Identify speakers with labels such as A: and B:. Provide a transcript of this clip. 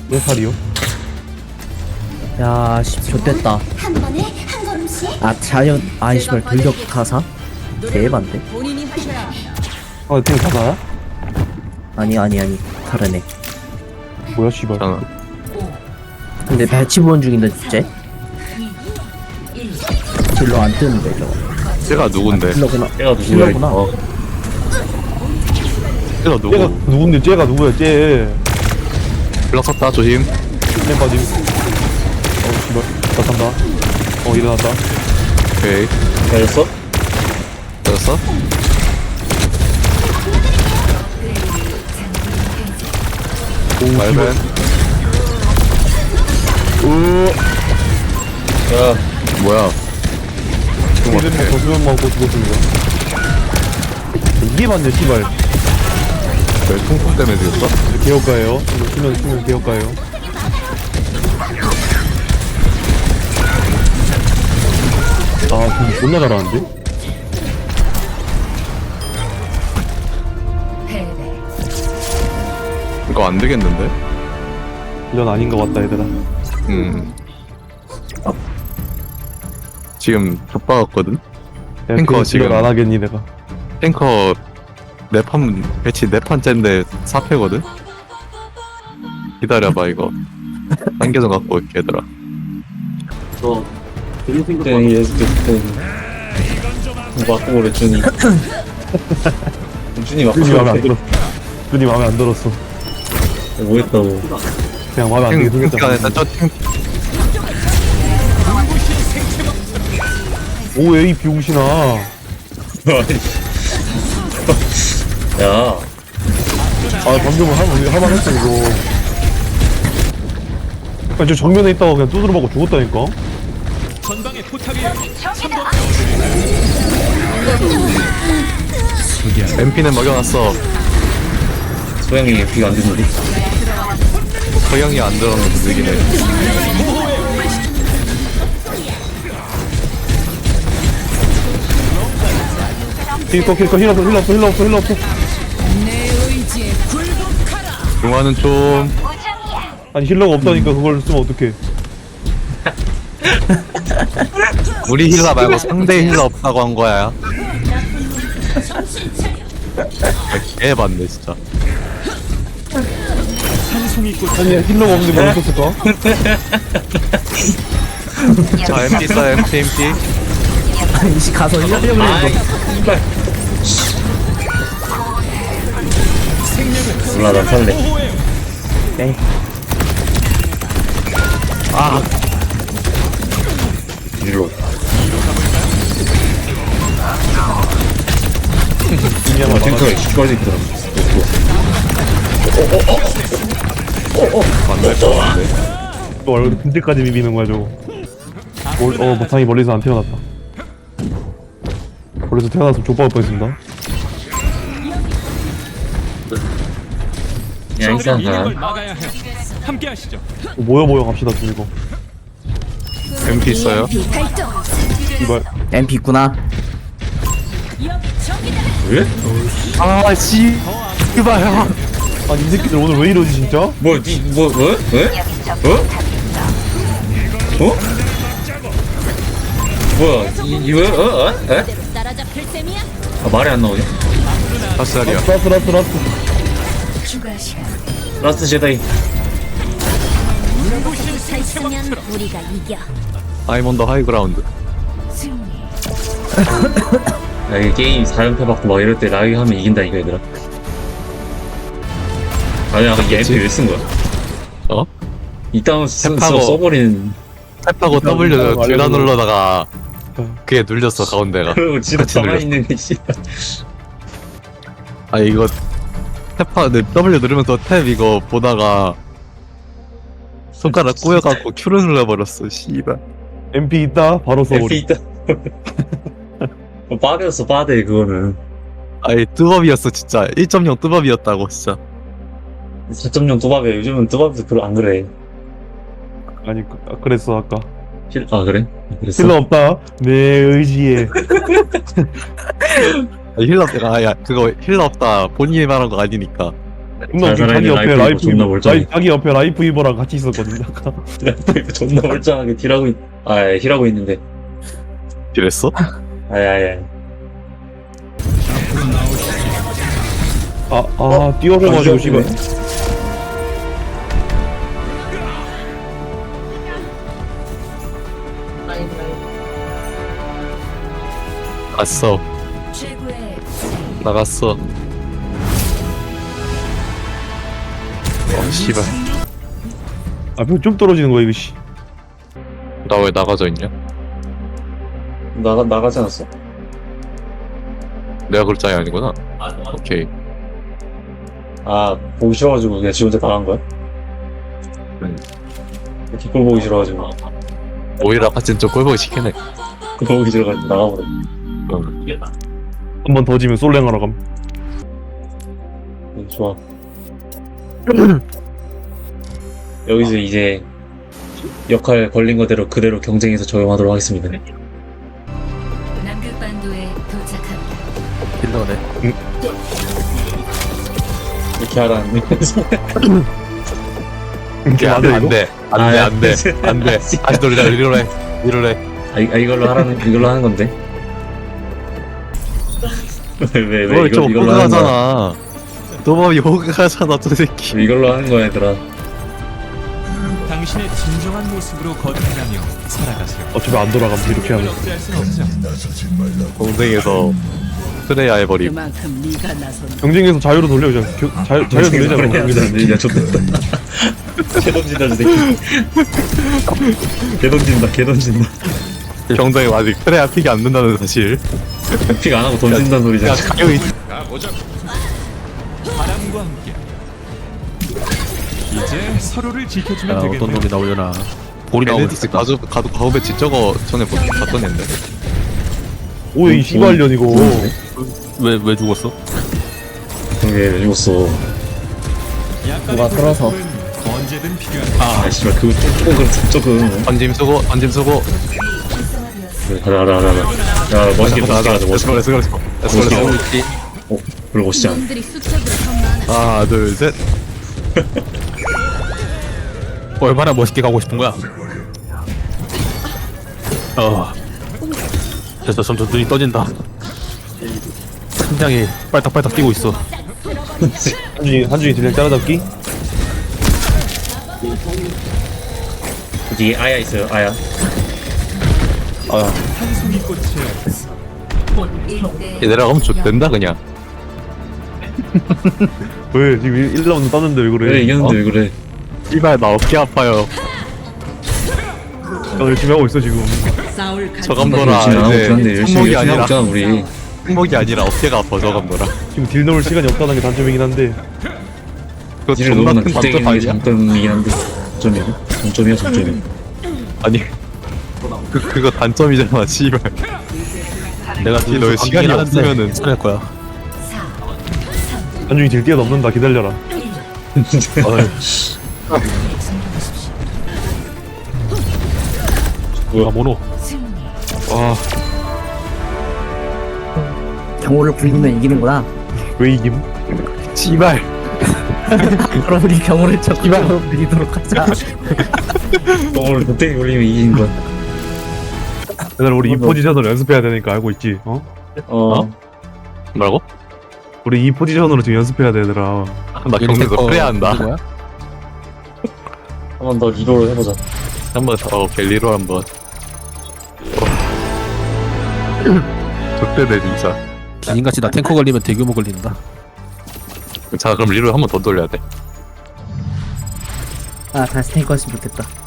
A: 몇 살이요?
B: 야, 씨, 좆됐다.
C: 한 번에 한 걸음씩.
B: 아, 자연, 아이, 씨발, 돌격 가사? 대반데?
D: 본인이 하셔야 합니다.
A: 아, 지금 가사야?
B: 아니, 다르네.
A: 뭐야, 씨발.
B: 근데 배치 보원 중인데, 쟤? 딜러 안 뜨는데, 저거.
E: 쟤가 누군데?
B: 딜러구나.
F: 얘가 누구야?
B: 딜러구나.
E: 쟤가
A: 쟤가
E: 누구?
A: 누군데? 쟤가 누구야, 쟤.
E: 불렀었다 조심.
A: 쟤 빠짐. 씨발. 나 간다. 일어났다.
E: 오케이.
F: 잘했어?
E: 됐어? 말벤.
F: 야,
E: 뭐야?
A: 이름 먹고 수면 먹고 죽었습니다. 이게 맞네, 씨발.
E: 왜 통풍 때문에 죽였어?
A: 개혁가예요. 이거 수면 개혁가예요. 아, 지금 존나 잘하는데?
E: 이거 안 되겠는데?
A: 이건 아닌 것 같다, 얘들아.
E: 지금 좆박았거든?
A: 야,
E: 탱커
A: 그거
E: 지금-
A: 안 하겠니, 내가.
E: 탱커 네판 배치 네판째인데 4패거든? 기다려봐 이거 단계 좀 갖고 올게 얘들아.
F: 그때 예습했을 때 맞고 준이. 준이 맞고
A: 준이 마음에 안
F: 그래.
A: 들었어. 준이 마음에 안 들었어.
F: 뭐 했다고?
A: 그냥 마음에 안 들게 생겼잖아.
E: 일단 저탱
A: 오, 에이, 비용신아.
F: 야,
A: 아, 방금은 할만했어, 이거. 아니, 저 정면에 있다가 그냥 두드려 맞고 죽었다니까?
E: MP는 먹여놨어.
F: 소영이 비가 안 듣는데.
E: 서영이 안 들었는데 느기네.
A: 힐러 없어.
D: 내 의지에 굴복하라.
E: 중화는 좀
A: 아니, 힐러가 없다니까 그걸 쓰면 어떡해.
E: 우리 힐러 말고 상대 힐러 없다고 한 거야. 개봤네 진짜.
A: 아니, 힐러가 없는데 뭘 썼을까?
E: 자 MP 써 MP.
B: 아니, 씨, 가서 힐러려고 했는데.
F: 몰라, 난 살래.
B: 네.
F: 일로.
A: 이냐만
F: 탱크가 시뻘 새끼더라.
A: 또 얼굴 근데까지 비비는 거야, 저거. 다행히 멀리서 안 태어났다. 멀리서 태어났으면 족박을 뻔했습니다.
F: 야, 이상한.
A: 모여 갑시다, 좀 이거.
E: MP 있어요?
C: 발동.
A: 이발.
B: MP 있구나.
F: 왜?
E: 아씨 이봐요.
A: 아니, 이 새끼들 오늘 왜 이러지, 진짜?
F: 뭐, 왜? 어? 뭐야, 왜? 에?
C: 따라잡힐 셈이야?
F: 아, 말이 안 나오냐?
E: 다시 자리야.
A: 라스.
C: 추가 시간.
F: 라스트 제다이.
C: 서 있으면 우리가 이겨.
E: I'm on the high ground.
C: 승리.
F: 야, 이게 게임 4연패 받고 막 이럴 때 라이브 하면 이긴다, 이거 얘들아. 아니, 아까 얘 MP 왜 쓴 거야?
E: 어?
F: 이따운
E: 탭하고.
F: 써버리는.
E: 탭하고 W 둘다 눌러다가 그게 눌렸어 가운데가.
F: 그리고 지도
E: 같이
F: 가만히
E: 눌렸어.
F: 있는 게 씨.
E: 아 이거 W 누르면서 탭 이거 보다가 손가락 꼬여갖고 Q를 눌러버렸어. 씨발.
A: MP 있다? 바로
F: MP
A: 써버리.
F: 있다. 빠데였어, 빠데, 그거는.
E: 아니 뜨밥이었어 진짜. 1.0 뜨밥이었다고 진짜.
F: 4.0 또밥이야. 요즘은 또밥도 안 그래.
A: 아니, 그랬어, 아까.
F: 아, 그래? 그랬어?
A: 힐러 없다. 내 의지에.
E: 힐러 없다. 아야 그거 힐러 없다. 본인이 말한 거 아니니까.
A: 존나 웃긴 자기
F: 살아있는
A: 옆에
F: 라이프
A: 라이프
F: 존나
A: 이버
F: 멀쩡해.
A: 자기 옆에 라이프 이버랑 같이 있었거든 아까.
F: 존나 멀쩡하게 딜하고 힐하고 있는데.
E: 이랬어?
F: 아야야.
A: 뛰어져가지고 씨발.
E: 갔어.
C: 최고의
E: 나갔어. 씨발.
A: 앞에 좀 떨어지는 거야 이거 씨.
E: 나 왜 나가져 있냐?
F: 나가지 않았어?
E: 내가 그럴 짝이 아니구나. 오케이.
F: 아, 보기 싫어가지고 그냥 지 혼자 나간 거야? 뒷골 보기 싫어가지고.
E: 오히려 아까 진짜 꼴보기 시키네.
F: 보기 싫어가지고 나가버려.
A: 한 번 더 지면 솔랭하러 감.
F: 좋아. 여기서 이제 역할 걸린 거대로 그대로 경쟁에서 적용하도록 하겠습니다.
C: 남극반도에 도착합니다.
B: 딜러네.
F: 이렇게 하라는.
E: 안돼 안돼 다시 돌리자 리롤해
F: 이걸로 하는 건데. 왜
E: 그걸 좀
F: 이걸로 하는 거야?
E: 호그하잖아. 너무 호그하잖아 저 새끼.
F: 이걸로 하는 거야, 얘들아.
G: 당신의 진정한 모습으로 거듭나며 살아가세요.
A: 어차피 안 돌아가면 이렇게 하면.
G: 억제할 순 없죠.
E: 동생에서 트레야 해버림.
D: 그만큼 네가 나선
A: 경쟁에서 자유로 돌려 그냥. 자유 돌리자고.
F: 야, 좋겠다. 개 던진다, 저 새끼. 개 던진다.
E: 경쟁에 아직 트레야 픽이 안 된다는 사실.
F: 픽 안 하고 던진다는 소리잖아.
E: 야 가격이
G: 바람과 함께 이제 서로를 지켜주면 되겠네요.
B: 나오려나. 볼이
E: 베네딕스 가도 배치 저거 전에 봤던 앤데.
A: 오이 씨발년 이거.
B: 왜 죽었어?
F: 왜 죽었어?
G: 약간의
B: 누가 끌어서.
G: 돌격은 언제든 필요한
F: 아, 씨발, 그거 조금.
E: 던짐 쓰고.
F: 가자. 야, 멋있게 가자, 멋있게.
E: 렛츠고.
F: 별로 멋있지 않아.
C: 놈들이 수적으로 더 많아.
E: 하나 둘 셋.
B: 얼마나 멋있게 가고 싶은 거야? 됐어, 점점 눈이 떠진다. 심장이 빨딱빨딱 뛰고 있어.
A: 한준이 딜량 따라잡기.
F: 뒤에 아야 있어요, 아야.
G: 한 송이 꽃이에요.
E: 내려가면 좋된다 그냥.
A: 왜 지금 1라운드 땄는데 왜 그래?
F: 그래, 이겼는데 왜 그래.
E: 씨발 나 어깨 아파요.
A: 나 열심히 하고 있어 지금.
D: 싸울 가
E: 저감도라
F: 열심히 하고 있긴 한데,
E: 이제
F: 열심히
E: 승목이
F: 하고
E: 아니라
F: 있잖아, 우리.
E: 승목이 아니라 어깨가 아파 저감도라.
A: 지금 딜 넣을 시간이 없다는 게 단점이긴 한데.
E: 그거
F: 딜을
E: 존나
F: 너무나
E: 큰
F: 빗대기는
E: 단점
F: 게
E: 아니야?
F: 장점이긴 한데. 장점이야.
E: 아니 그거 단점이잖아 씨발. 내가 딜 넣을 시간이 없으면은
B: 찾을 거야.
A: 한준이 딜 뛰어넘는다 기다려라.
B: 뭐야, 모노.
A: 아,
H: 경호를 불리면 이기는구나.
A: 왜 이김?
E: 씨발.
H: 그럼 우리 경호를 적기로 불리도록 하자.
F: 오늘 빗대기 올리면 이긴 건.
A: 얘들아 우리 이 포지션으로 연습해야 되니까 알고 있지?
E: 뭐라고?
A: 우리 이 포지션으로 지금 연습해야 돼 얘들아.
E: 나 경쟁에서 플레이한다.
B: 누구야?
F: 한 번 더 리로를 해보자.
E: 한번 더 갤리로 한번. 좋대네 진짜.
B: 기인같이 나 탱커 걸리면 대규모 걸린다.
E: 자 그럼 리로 한번 더 돌려야 돼.
H: 아, 다시 탱커 했으면 좋겠다.